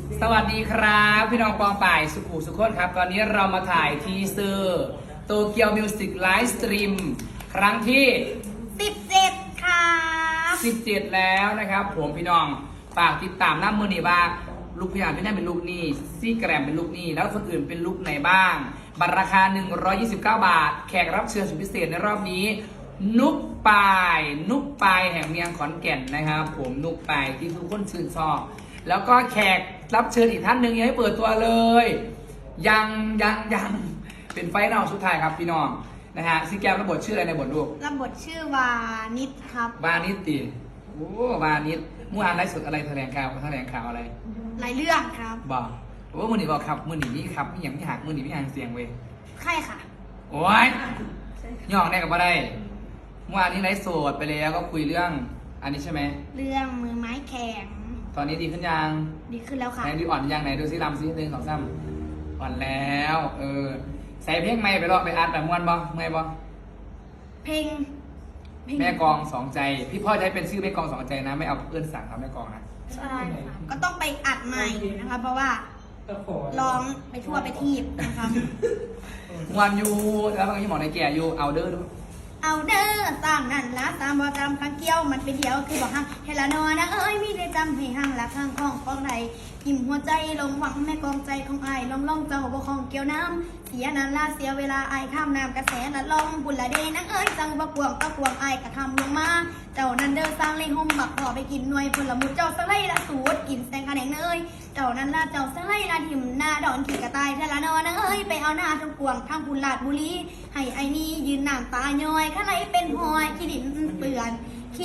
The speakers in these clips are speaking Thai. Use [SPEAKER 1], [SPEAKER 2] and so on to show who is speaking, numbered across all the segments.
[SPEAKER 1] สวัสดีครับพี่น้องปองป่ายสุขุสุขคนครับตอนนี้เรามาถ่ายทีเซอร์โตเกียวมิวสิกไลฟ์สตรีมครั้งที่
[SPEAKER 2] 17ค่ะ
[SPEAKER 1] 17แล้วนะครับผมพี่น้องฝากติดตามหน้ามือนี่ว่าลูกพยานพี่นั่นเป็นลูกนี่ซี่แกรมเป็นลูกนี่แล้วคนอื่นเป็นลูกไหนบ้างบัตรราคา129 บาทแขกรับเชิญสุดพิเศษในรอบนี้นุกปายแห่งเมียงขอนแก่นนะครับผมนุกปายที่ทุกคนชื่นชอบแล้วก็แขกรับเชิญอีกท่านหนึ่งยังไม่เปิดตัวเลยยังเป็นไฟนอลสุดท้ายครับพี่น้องนะฮะซี่แกรมรับบทชื่ออะไรในบทลูก
[SPEAKER 2] รับบทชื่อวานิดครับ
[SPEAKER 1] วานิดติโอ้วานิดมื่อวานไลฟ์สดอะไรแถลงข่าวอะไร
[SPEAKER 2] หลายเรื่องครับ
[SPEAKER 1] บอกว่ามือหนีบอกครับมือหนีนี่ครับไม่อย่างที่หักมือหนีไม่ห่างเสียงเว้ย
[SPEAKER 2] ใช่ค่ะ
[SPEAKER 1] โอ้ยย่องได้กับว่าได้เมื่อวานนี้ไลฟ์สดไปแล้วก็คุยเรื่องอันนี้ใช่ไหม
[SPEAKER 2] เรื่องมือไม้แข็ง
[SPEAKER 1] ตอนนี้ดีขึ้นยัง
[SPEAKER 2] ดีขึ้นแล้วค่ะ
[SPEAKER 1] ไหนดีอ่อนยังไหนดูซิลำซิ1 2 3อ่อนแล้วใส่เพลงไม่ไปรอไปอัดแบบม้วนบ่เมื่อยบ่
[SPEAKER 2] เพลง
[SPEAKER 1] แม่กองสองใจพี่พ่อจะให้เป็นชื่อแม่กองสองใจนะไม่เอาเพื่อนสั่งครับแม่กองนะ
[SPEAKER 2] ใช่ค่ะก็ต้องไปอัดใหม่นะคะเพราะว่าร้องไปทั่วไปทีบนะคะ
[SPEAKER 1] วันอยู่แล้วมันก็ยังหมอในแก่อยู่เอาเด้อดู
[SPEAKER 2] เอาเด้อตามนั่นละตามบ่จำพังเกี้ยวมันไปเดียวคือบอกฮังเฮลานอนะเอ้ยมีได้จำให้ฮังละข้างของใดหิมหัวใจลงหวังแม่กองใจของไอ้ล่องเจ้าบ่ของเกี่ยวน้ำเสียนานลาเสียเวลาไอ้ข้ามน้ำกระแสละล่องบุญละเดนังเอ้ยจังบ่กวงไอ้กระทำลงมาเจ้านั้นเด้อสร้างเลยห่มบักพอไปกินหน่วยผลมุดเจ้าสไลละสูดกินแสงกระแดงเนยเจ้านั้นละเจ้าสไลละทิมหน้าดอนขี่กระต่ายเทละนอนะเอ้ยไปเอาหน้าทั้งกวงทั้งบุญลาดบุรีให้ไอ้นี่ยืนน้ำตาย้อยข้าไรเป็นหอยขี้ดินเปื่อนเ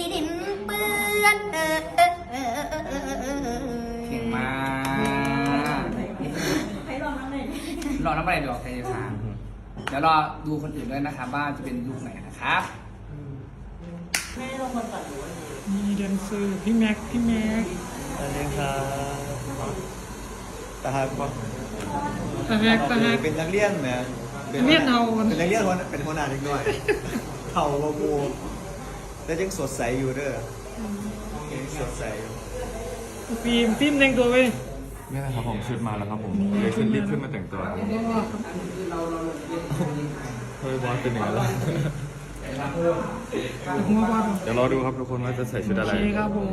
[SPEAKER 1] ก่งมากรอน้ำอะไรดอกไทยสารเดี๋ยวรอดูคนอื่นด้วยนะครับว่าจะเป็นลูกไหนนะครับ
[SPEAKER 3] มีแดนเซอร์พี่แม็ก
[SPEAKER 4] สวัสดีครับตาฮักปะเป็นนักเรียนไหม
[SPEAKER 3] เรียนเอา
[SPEAKER 4] เป็นนักเรียนเป็นหัวหน้าเด็กน้อยเข่าโมโมแต่ยังสดใสอยู่เด้อสดใส
[SPEAKER 3] ฟิล์มแต่งตัวไว้
[SPEAKER 5] นี่นะครับผมชุดมาแล้วครับผมเลยรีบขึ้นมาแต่งตัวเฮ้ยบอสเป็นยังไงล่ะเดี๋ยวรอดูครับทุกคนว่าจะใส่ชุดอะไร
[SPEAKER 3] ครับผม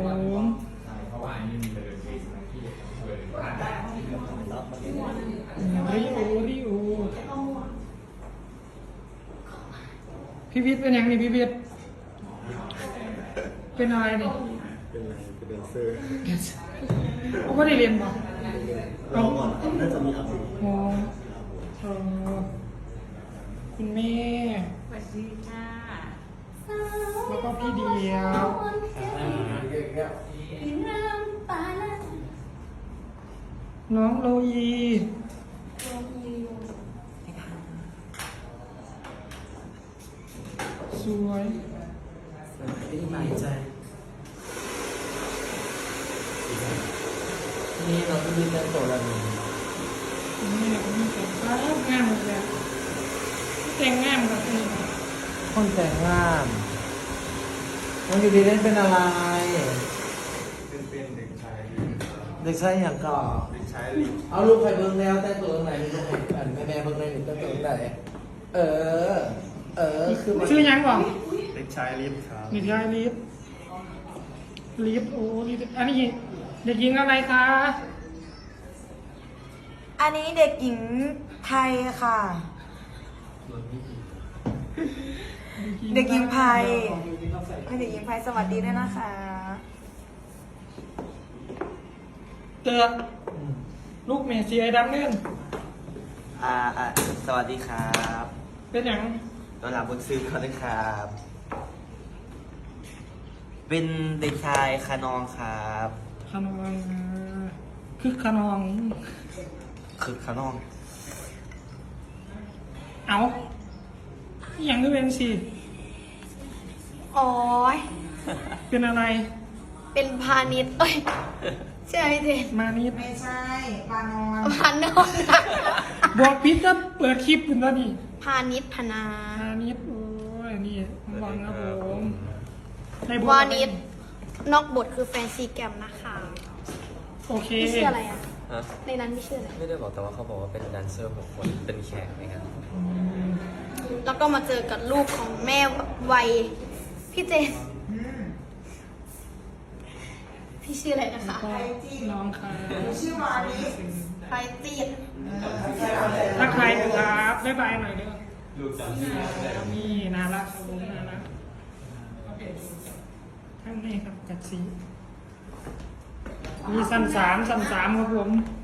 [SPEAKER 3] ริโอพี่วิทย์เป็นยังนี่พี่วิทย์เป็นอะไรนี่
[SPEAKER 4] เป็นแดนเซอร์
[SPEAKER 3] เขาไม่ได้เรียนป่ะ
[SPEAKER 4] เราก่อนน่าจะมีอัพสิ
[SPEAKER 3] คุณแม่
[SPEAKER 2] สวัสดีค่ะ
[SPEAKER 3] แล้วก็พี่เดียวน้องโลยีสวย
[SPEAKER 4] นี่หมายใจนี่เราต้องมีแต่งตัวแล้ว
[SPEAKER 3] นี่เราต้องมีแต่งงามเลยแต่งงามแบบนี้
[SPEAKER 4] คนแต่งงามน้องอยู่ดีเล่นเป็นอะไรเป็นเด็กชายอย่างก่อนเด็กชายลิเอาลูกใครเบิ้งแล้วแต่งตัวตรงไหนลูกใครแม่เบิ้งเลยหนูแต่งตัวตรงไหนคือ
[SPEAKER 3] ชื่อยังก่อน
[SPEAKER 4] เด็กชายลิฟครับ
[SPEAKER 3] เด็กชายลิฟโอ้ลิฟอันนี้เด็กหญิงอะไรคะ
[SPEAKER 6] อันนี้เด็กหญิงไทยค่ะเด็กหญิงไพให้เด็กหญิงไพสวัสดีด้วยนะคะ
[SPEAKER 3] เตือลูกเมสซี่ไอ้ดำเน่น
[SPEAKER 4] สวัสดีครับ
[SPEAKER 3] เป็นอย่าง
[SPEAKER 4] ตอนหลับบนซื้อเขาเลยครับเป็นเด็กชายคานองครับ
[SPEAKER 3] คานองคือคานองเอาอย่างนี้เป็นสิ
[SPEAKER 2] โอ้ย
[SPEAKER 3] เป็นอะไร
[SPEAKER 2] เป็นพาณิชย์ใช่ไหมเทน
[SPEAKER 3] มานิด
[SPEAKER 6] ไม่ใช่ปานอน
[SPEAKER 3] บอกพิษก็เปิดคลิปคุณแล้วนี่
[SPEAKER 2] พาณิชย์พนา
[SPEAKER 3] โอ้ยนี่วางครับผม
[SPEAKER 2] วานิชนอกบทคือแฟนซีแกมนะคะ
[SPEAKER 3] โอเค
[SPEAKER 2] ชื่ออะไรอ่ะ
[SPEAKER 4] ฮะ
[SPEAKER 2] ในนั้นมีชื่ออะไร
[SPEAKER 4] ไม่ได้บอกแต่ว่าเขาบอกว่าเป็นแดนเซอร์6 คนเป็นแขกในงาน
[SPEAKER 2] แล้วก็มาเจอกับลูกของแม่วัยพี่เจนพี่ชื่ออะไรนะคะ
[SPEAKER 3] ก็น้องค่ะ
[SPEAKER 2] ไปตีด
[SPEAKER 3] ทักทายครับบ๊ายบายหน่อยเด้อนี่น่ารักครับผมน่ารักข้างในครับจัดสีมีสั้นสามครับผม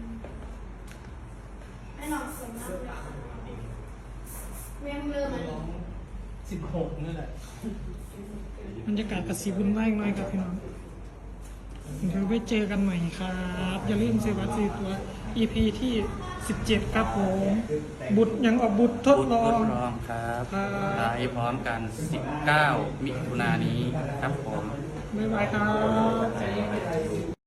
[SPEAKER 2] ให้น้องสวยมากเลยแม่เริ่มเลย
[SPEAKER 1] 16นี่แหละ
[SPEAKER 3] บรรยากาศกระสีบุญมากหน่อยครับพี่น้องเดี๋ยวไปเจอกันใหม่ครับ อย่าลืมซื้อบัตรซื้อตัว EP ที่ 17 ครับผม บุตรยังออกบุตรทดลอง
[SPEAKER 7] รองครับ
[SPEAKER 3] ครับ
[SPEAKER 7] ไลฟ์พร้อมกัน 19 มิถุนายนนี้ครับผม
[SPEAKER 3] บ๊ายบายครับ